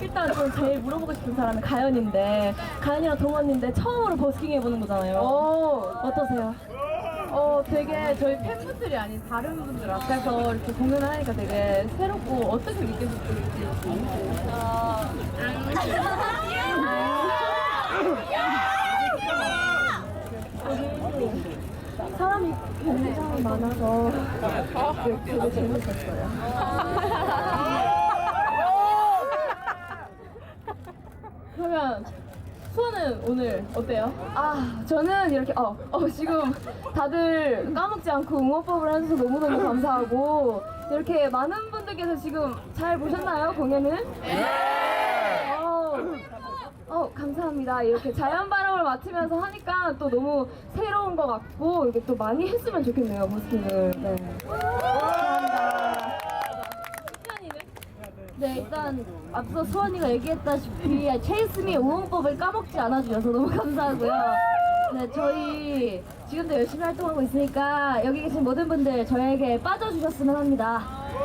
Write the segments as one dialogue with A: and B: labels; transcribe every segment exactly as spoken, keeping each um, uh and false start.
A: 일단 저 제일 물어보고 싶은 사람은 가연인데, 가연이랑 동원인데 처음으로 버스킹 해보는 거잖아요.
B: 어,
A: 어떠세요?
B: 어, 되게 저희 팬분들이 아닌 다른 분들 앞에서 이렇게 공연을 하니까 되게 새롭고 어떻게 느껴질지.
A: 사람이 굉장히 많아서 되게 재밌었어요.
B: 그러면 수아는 오늘 어때요?
A: 아, 저는 이렇게, 어, 어, 지금 다들 까먹지 않고 응원법을 해줘서 너무너무 감사하고, 이렇게 많은 분들께서 지금 잘 보셨나요, 공연을? 네! 어, 어, 감사합니다. 이렇게 자연 바람을 맡으면서 하니까 또 너무 새로운 것 같고, 이게 또 많이 했으면 좋겠네요, 버스킹을. 네. 감사합니다. 네, 일단 앞서 수원이가 얘기했다시피 체이스미 응원법을 까먹지 않아주셔서 너무 감사하고요. 네, 저희 지금도 열심히 활동하고 있으니까 여기 계신 모든 분들 저에게 빠져주셨으면 합니다.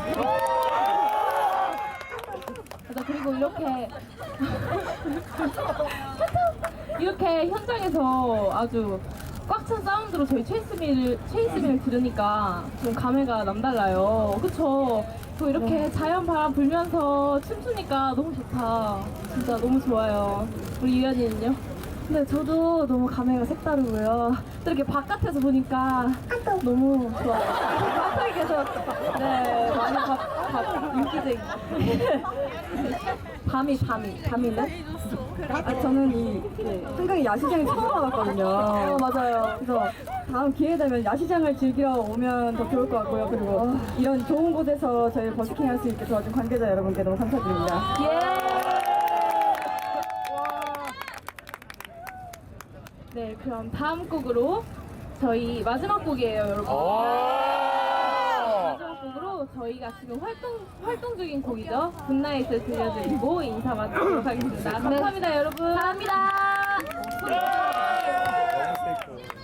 B: 맞아, 그리고 이렇게 이렇게 현장에서 아주 꽉 찬 사운드로 저희 체이스미를 체이스미를 들으니까 좀 감회가 남달라요. 그쵸? 또 이렇게
A: 네.
B: 자연 바람 불면서 춤추니까 너무 좋다. 진짜 너무 좋아요. 우리 유연이는요?
A: 네, 저도 너무 감회가 색다르고요. 또 이렇게 바깥에서 보니까 너무 좋아요.
B: 바깥에 계셔. 네, 많이 밥, 밥, 인기쟁이.
A: 밤이, 밤이, 밤이네? 아, 저는 이 네, 한강의 야시장에 처음 와봤거든요. 어, 맞아요. 그래서 다음 기회 되면 야시장을 즐기러 오면 더 좋을 것 같고요. 그리고 이런 좋은 곳에서 저희 버스킹 할 수 있게 도와준 관계자 여러분께 너무 감사드립니다. 예!
B: 네, 그럼 다음 곡으로 저희 마지막 곡이에요, 여러분. 마지막 곡으로 저희가 지금 활동 활동 중인 곡이죠. 굿나잇을 들려드리고 인사 마치도록 하겠습니다. 감사합니다, 여러분.
A: 감사합니다.
C: 너무 세이크.